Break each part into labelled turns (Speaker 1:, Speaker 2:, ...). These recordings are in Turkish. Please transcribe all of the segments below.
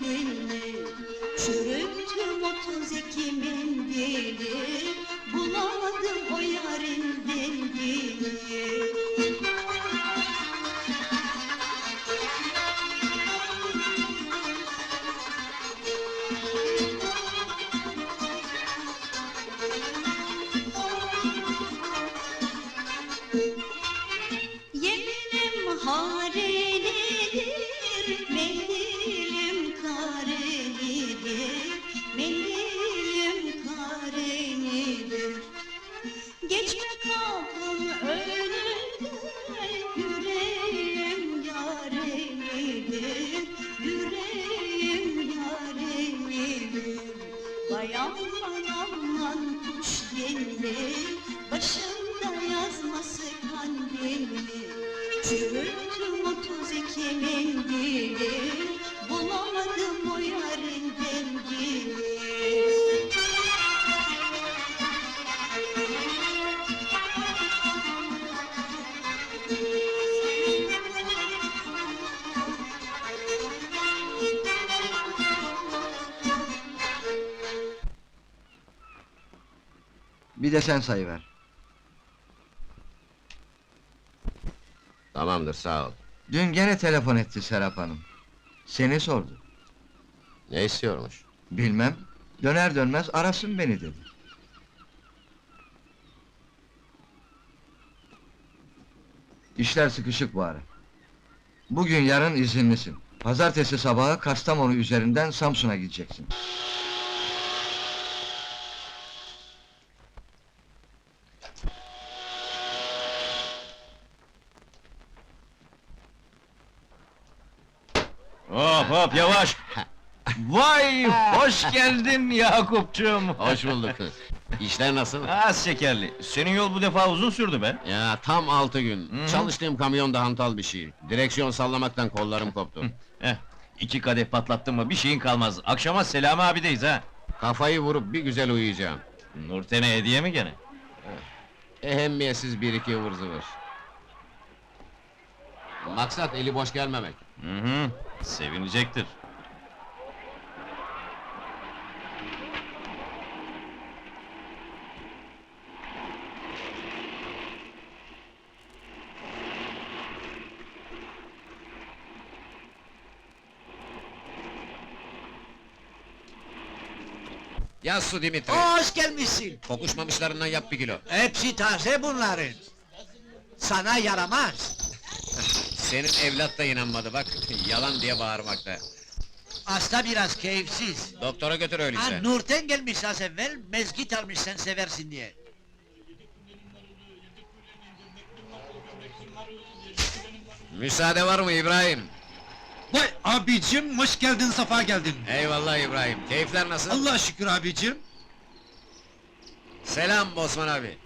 Speaker 1: mendili, çürüttüm 32 mendili, bulamadım o yarın dengini. Yeminim harelidir, mendilim karelidir, mendilim karelidir. Geçme kapım önünden, yüreğim yarelidir, yüreğim yarelidir. Vay aman aman kuş gelir, başımda yazması kandili. Çürüttüm 32 mendili, bulamadım o yarın dengini.
Speaker 2: Bir de sen sayıver.
Speaker 3: Tamamdır, sağ ol.
Speaker 2: Dün gene telefon etti Serap Hanım. Seni sordu.
Speaker 3: Ne istiyormuş?
Speaker 2: Bilmem, döner dönmez arasın beni dedi. İşler sıkışık bu ara. Bugün yarın izinlisin. Pazartesi sabahı Kastamonu üzerinden Samsun'a gideceksin.
Speaker 4: Hop hop yavaş! Vay, hoş geldin Yakup'cum!
Speaker 3: Hoş bulduk. İşler nasıl?
Speaker 4: Az şekerli, senin yol bu defa uzun sürdü be!
Speaker 3: Ya tam 6 gün.
Speaker 4: Hı.
Speaker 3: Çalıştığım kamyon da hantal bir şey. Direksiyon sallamaktan kollarım koptu.
Speaker 4: Heh, 2 kadeh patlattın mı bir şeyin kalmaz, akşama Selami abideyiz ha!
Speaker 3: Kafayı vurup bir güzel uyuyacağım.
Speaker 4: Nurten'e hediye mi gene?
Speaker 3: Ehemmiyetsiz bir iki ıvır zıvır. Maksat eli boş gelmemek.
Speaker 4: Hı hı, sevinecektir.
Speaker 3: Yaz su Dimitri.
Speaker 5: Hoş gelmişsin.
Speaker 3: Kokuşmamışlarından yap 1 kilo.
Speaker 5: Hepsi taze bunların. Sana yaramaz.
Speaker 3: Senin evlat da inanmadı bak. Yalan diye bağırmakta.
Speaker 5: Hasta biraz keyifsiz.
Speaker 3: Doktora götür öyleyse.
Speaker 5: Nurten gelmiş az evvel, mezgit almış sen seversin diye.
Speaker 3: Müsaade var mı İbrahim?
Speaker 6: Vay abicim, hoş geldin, safa geldin.
Speaker 3: Eyvallah İbrahim. Keyifler nasıl?
Speaker 6: Allah'a şükür abicim.
Speaker 3: Selam Osman abi.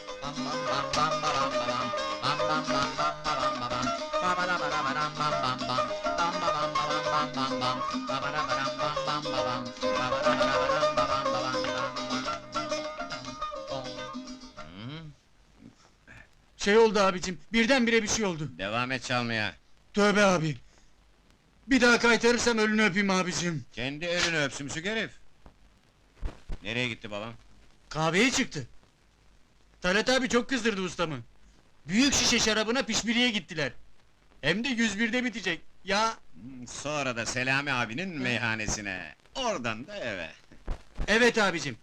Speaker 6: Şey oldu abicim, birdenbire bir şey oldu.
Speaker 3: Devam et çalmaya.
Speaker 6: Tövbe abi. Bir daha kaytarırsam ölünü öpeyim abicim.
Speaker 3: Kendi elini öpsümsük herif. Nereye gitti babam?
Speaker 6: Kahveye çıktı. Talat abi çok kızdırdı ustamı. Büyük şişe şarabına pişmiriye gittiler. Hem de 101'de bitecek. Ya,
Speaker 3: Sonra da Selami abinin meyhanesine. Oradan da eve.
Speaker 6: evet abicim.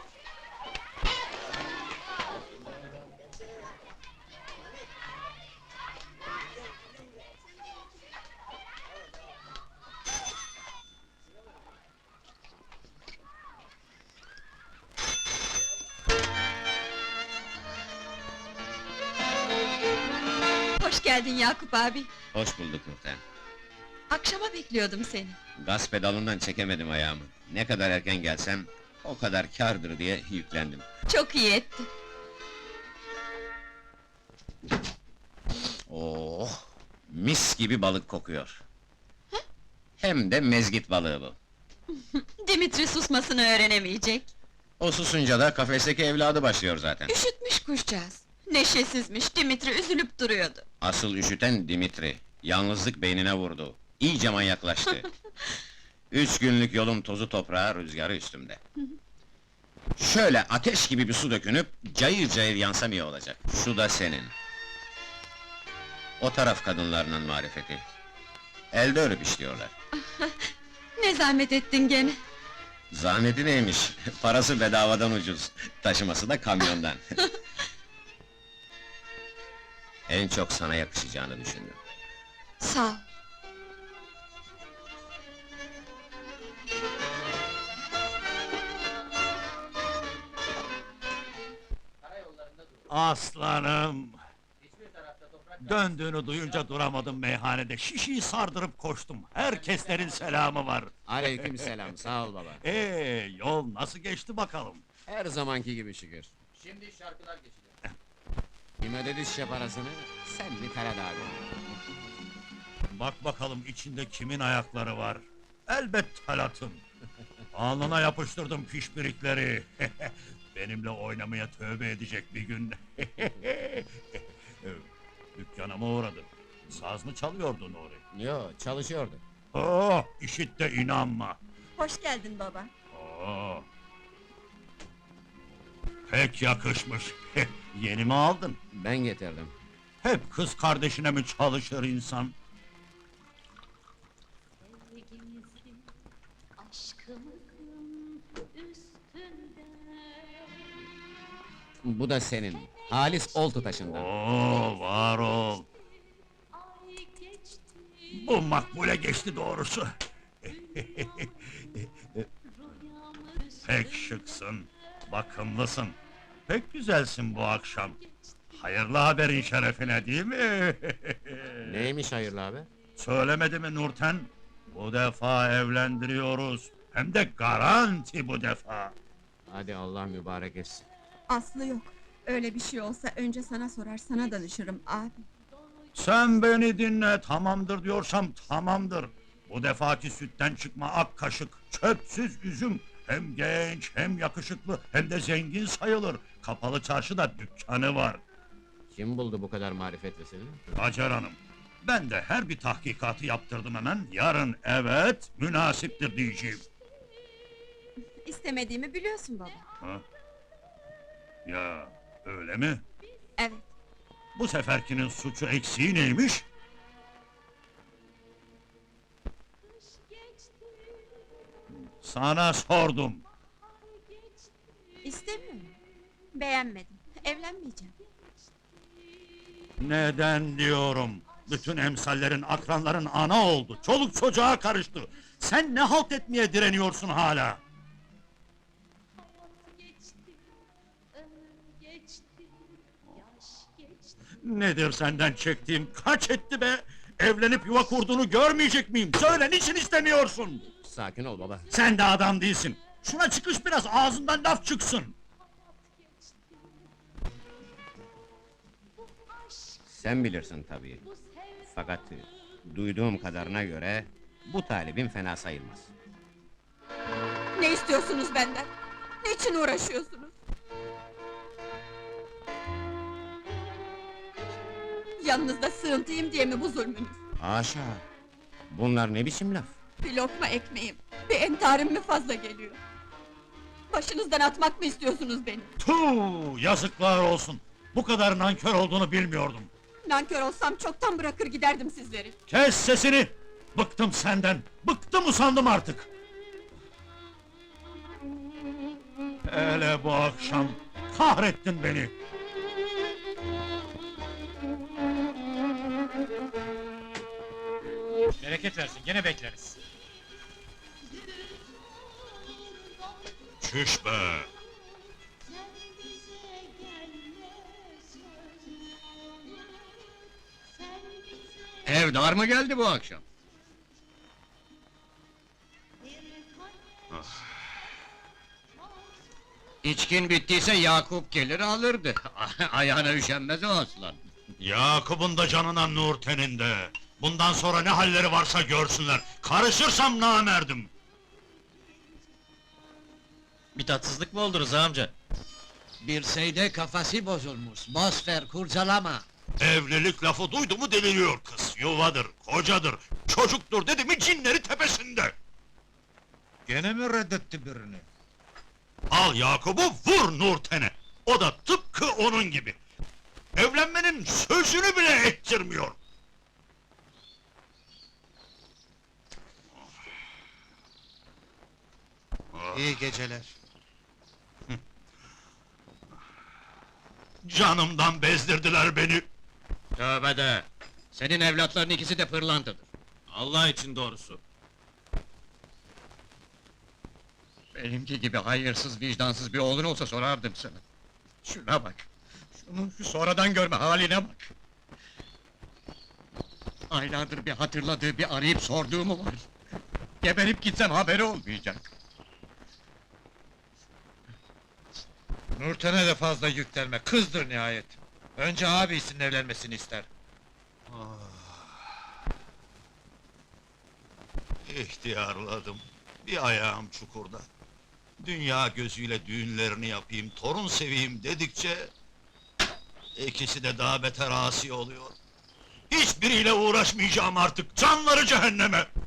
Speaker 7: Hoş geldin Yakup abi.
Speaker 3: Hoş bulduk Nurten.
Speaker 7: Akşama bekliyordum seni.
Speaker 3: Gaz pedalından çekemedim ayağımı. Ne kadar erken gelsem, o kadar kârdır diye yüklendim.
Speaker 7: Çok iyi ettin.
Speaker 3: Oh! Mis gibi balık kokuyor. Hem de mezgit balığı bu.
Speaker 7: Dimitri susmasını öğrenemeyecek.
Speaker 3: O susunca da kafesteki evladı başlıyor zaten.
Speaker 7: Üşütmüş kuşcağız. Neşesizmiş, Dimitri üzülüp duruyordu.
Speaker 3: Asıl üşüten Dimitri. Yalnızlık beynine vurdu. İyice manyaklaştı. 3 günlük yolum tozu toprağı, rüzgarı üstümde. Şöyle ateş gibi bir su dökünüp, cayır cayır yansam iyi olacak. Şu da senin. O taraf kadınlarının marifeti. Elde örüp işliyorlar.
Speaker 7: Ne zahmet ettin gene.
Speaker 3: Zahmeti neymiş? Parası bedavadan ucuz. Taşıması da kamyondan. En çok sana yakışacağını düşündüm.
Speaker 7: Sağ ol.
Speaker 8: Aslanım! Döndüğünü duyunca duramadım meyhanede, şişeyi sardırıp koştum. Herkeslerin selamı var.
Speaker 3: Aleykümselam, sağ ol baba.
Speaker 8: Yol nasıl geçti bakalım?
Speaker 3: Her zamanki gibi şükür. Şimdi şarkılar geçecek. Kim ödedi şişe parasını? Sen mi Talat abi?
Speaker 8: Bak bakalım içinde kimin ayakları var? Elbet Talat'ın. Alnına yapıştırdım pişpirikleri. Benimle oynamaya tövbe edecek bir gün. Dükkanıma uğradı. Saz mı çalıyordu Nuri?
Speaker 3: Yo, çalışıyordu.
Speaker 8: Oh, işit de inanma.
Speaker 7: Hoş geldin baba.
Speaker 8: Oo. Pek yakışmış. Yeni mi aldın?
Speaker 3: Ben getirdim.
Speaker 8: Hep kız kardeşine mi çalışır insan?
Speaker 1: Sevgimizin, aşkımızın üstünde.
Speaker 3: Bu da senin. Halis Oltu taşından.
Speaker 8: Oo, var ol.
Speaker 1: Ay geçti,
Speaker 8: Bu makbule geçti doğrusu.
Speaker 1: rüyamız
Speaker 8: Pek şıksın, bakımlısın. Pek güzelsin bu akşam. Hayırlı haberin şerefine değil mi?
Speaker 3: Neymiş hayırlı abi?
Speaker 8: Söylemedi mi Nurten? Bu defa evlendiriyoruz. Hem de garanti bu defa.
Speaker 3: Hadi Allah mübarek etsin.
Speaker 7: Aslı yok. Öyle bir şey olsa önce sana sorar, sana danışırım abi.
Speaker 8: Sen beni dinle, tamamdır diyorsam tamamdır. Bu defaki sütten çıkma ak kaşık, çöpsüz üzüm. Hem genç, hem yakışıklı, hem de zengin sayılır. Kapalı çarşıda dükkanı var.
Speaker 3: Kim buldu bu kadar marifetlisini?
Speaker 8: Hacer Hanım, ben de her bir tahkikatı yaptırdım hemen. Yarın evet, münasiptir diyeceğim.
Speaker 7: İstemediğimi biliyorsun baba.
Speaker 8: Ha? Ya, öyle mi?
Speaker 7: Evet.
Speaker 8: Bu seferkinin suçu eksiği neymiş? Sana sordum.
Speaker 7: İstemiyorum. Beğenmedim. Evlenmeyeceğim.
Speaker 8: Neden diyorum? Bütün emsallerin, akranların ana oldu. Çoluk çocuğa karıştı. Sen ne halt etmeye direniyorsun hala?
Speaker 1: geçti, ömür geçti, yaş geçti.
Speaker 8: Nedir senden çektiğim? Kaç etti be? Evlenip yuva kurduğunu görmeyecek miyim? Söyle, niçin istemiyorsun?
Speaker 3: Sakin ol baba.
Speaker 8: Sen de adam değilsin. Şuna çıkış biraz, ağzından laf çıksın.
Speaker 3: Sen bilirsin tabii. Fakat duyduğum kadarına göre bu talibin fena sayılmaz.
Speaker 7: Ne istiyorsunuz benden? Niçin uğraşıyorsunuz? Yanınızda sığıntıyım diye mi bu zulmünüz?
Speaker 3: Haşa! Bunlar ne biçim laf?
Speaker 7: Bir lokma ekmeğim, bir entarim mi fazla geliyor? Başınızdan atmak mı istiyorsunuz beni?
Speaker 8: Tuh, yazıklar olsun. Bu kadar nankör olduğunu bilmiyordum.
Speaker 7: Nankör olsam çoktan bırakır giderdim sizleri.
Speaker 8: Kes sesini! Bıktım senden, bıktım usandım artık! Hele bu akşam, kahrettin beni!
Speaker 6: Bereket versin, gene bekleriz.
Speaker 8: Çüş be!
Speaker 1: Sen bize gelme sözüm. Sen bize
Speaker 3: Evdar mı geldi bu akşam?
Speaker 1: bir kadeh
Speaker 3: İçkin bittiyse Yakup gelir alırdı. Ayağına üşenmez o aslan.
Speaker 8: Yakup'un da canına Nurten'in de! Bundan sonra ne halleri varsa görsünler! Karışırsam namerdim!
Speaker 4: Bir tatsızlık mı oldu Rıza amca?
Speaker 5: Bir şeyde kafası bozulmuş. Boş ver, kurcalama.
Speaker 8: Evlilik lafı duydu mu deliriyor kız! Yuvadır, kocadır, çocuktur dedi mi cinleri tepesinde!
Speaker 9: Gene mi reddetti birini?
Speaker 8: Al Yakup'u vur Nurten'e. O da tıpkı onun gibi. Evlenmenin sözünü bile ettirmiyor.
Speaker 9: İyi geceler.
Speaker 8: Canımdan bezdirdiler beni.
Speaker 6: Tövbe de! Senin evlatların ikisi de pırlantadır.
Speaker 4: Allah için doğrusu.
Speaker 6: Benimki gibi hayırsız, vicdansız bir oğlun olsa sorardım sana. Şuna bak! Şunun şu sonradan görme haline bak! Aylardır bir hatırladığı, bir arayıp sorduğu mu var? Geberip gitsem haberi olmayacak.
Speaker 9: Nurten'e de fazla yüklenme, kızdır nihayet. Önce abisinin evlenmesini ister.
Speaker 8: İhtiyarladım. Bir ayağım çukurda. Dünya gözüyle düğünlerini yapayım, torun seveyim dedikçe... ...ikisi de daha beter asi oluyor. Hiçbiriyle uğraşmayacağım artık, canları cehenneme!